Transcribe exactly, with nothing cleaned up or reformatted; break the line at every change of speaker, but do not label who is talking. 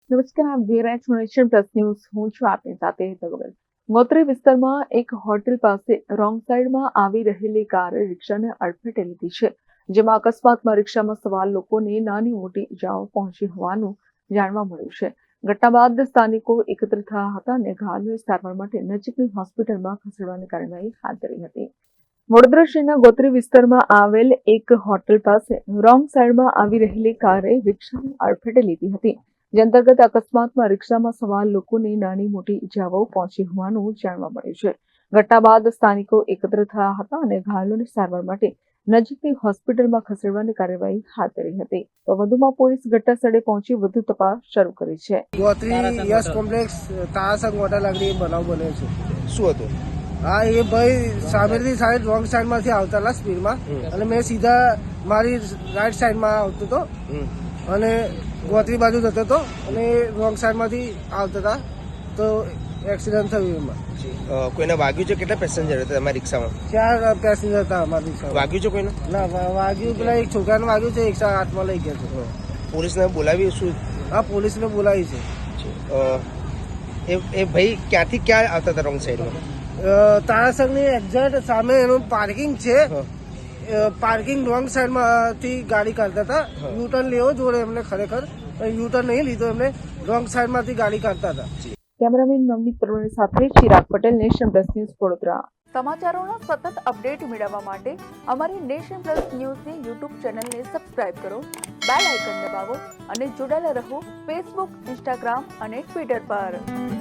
નમસ્કાર, આપ જોઈ રહ્યા છો નેશન પ્લસ ન્યૂઝ. હું છું આપની સાથે હેતલ ગોગલ. ગોત્રી વિસ્તારમાં એક હોટેલ પાસે રોંગ સાઈડમાં આવી રહેલી કારે રિક્ષાને અડફેટે લીધી છે, જેમાં અકસ્માતમાં રિક્ષામાં સવાર લોકોને નાની મોટી ઇજાઓ પહોંચી હોવાનું જાણવા મળ્યું છે. ઘટના બાદ સ્થાનિકો એકત્ર થયા હતા અને ઘાયલોને સારવાર માટે નજીકની હોસ્પિટલમાં ખસેડવાની કાર્યવાહી હાથ ધરી હતી. વડોદરા શહેરના ગોત્રી વિસ્તારમાં આવેલ એક હોટેલ પાસે રોંગ સાઈડમાં આવી રહેલી કારે રિક્ષાને અડફેટે લીધી હતી, જે અંતર્ગત અકસ્માતમાં રિક્ષામાં સવાર લોકોને નાની મોટી ઇજાઓ પહોંચી હોવાનું જાણવા મળ્યું છે. ઘટના બાદ સ્થાનિકો એકત્ર થયા હતા અને ઘાયલોને સારવાર માટે નજીકની હોસ્પિટલમાં ખસેડવાની કાર્યવાહી હાથ ધરી હતી. તો વધુમાં પોલીસ ઘટના સ્થળે પહોંચી વધુ તપાસ શરૂ કરી છે.
ગોત્રી યશ કોમ્પ્લેક્સ તારાસંગ હોટેલ આગળ બનાવ બન્યો છે.
શું હતું?
હા, એ ભાઈ સામેથી સાઈડ રોંગ સાઈડ માંથી આવતા હતા સ્પીડમાં, અને મેં સીધા મારી રાઈટ સાઈડમાં આવતો હતો અને ગોત્રી બાજુ જતો હતો, અને રોંગ સાઈડ માંથી આવતા હતા, તો એક્સિડન્ટ થયું. એમાં
કોઈને વાગ્યું છે? કેટલા પેસેન્જર હતા તમારી રિક્ષામાં?
ચાર પેસેન્જર હતા અમારી રિક્ષામાં.
વાગ્યું છે કોઈને?
ના, વાગ્યું પેલા એક છોકરાને વાગ્યું છે, એક હાથમાં લઈ ગયા છે.
પોલીસને બોલાવી? શું?
હા, પોલીસને બોલાવી છે.
એ એ ભાઈ ક્યાંથી ક્યાં આવતા હતા રોંગ સાઈડમાં?
તારાસંગની એક્ઝેક્ટ સામે એનું પાર્કિંગ છે. પાર્કિંગ રોંગ સાઈડમાંથી ગાડી કાઢતા હતા. યુટર્ન લેવો જોડે એમને, ખરેખર યુટર્ન નહીં લીધો એમને, રોંગ સાઈડમાંથી ગાડી કાઢતા હતા.
કેમેરામેન નવનીત પરમાર સાથે Chirag Patel, Nation Plus News, Vadodara. સમાચારોના સતત અપડેટ મેળવવા માટે અમારી નેશન પ્લસ ન્યૂઝની યુટ્યુબ ચેનલને સબસ્ક્રાઇબ કરો, બેલ આઇકન દબાવો અને જોડાયેલા રહો ફેસબુક, ઇન્સ્ટાગ્રામ અને ટ્વિટર પર.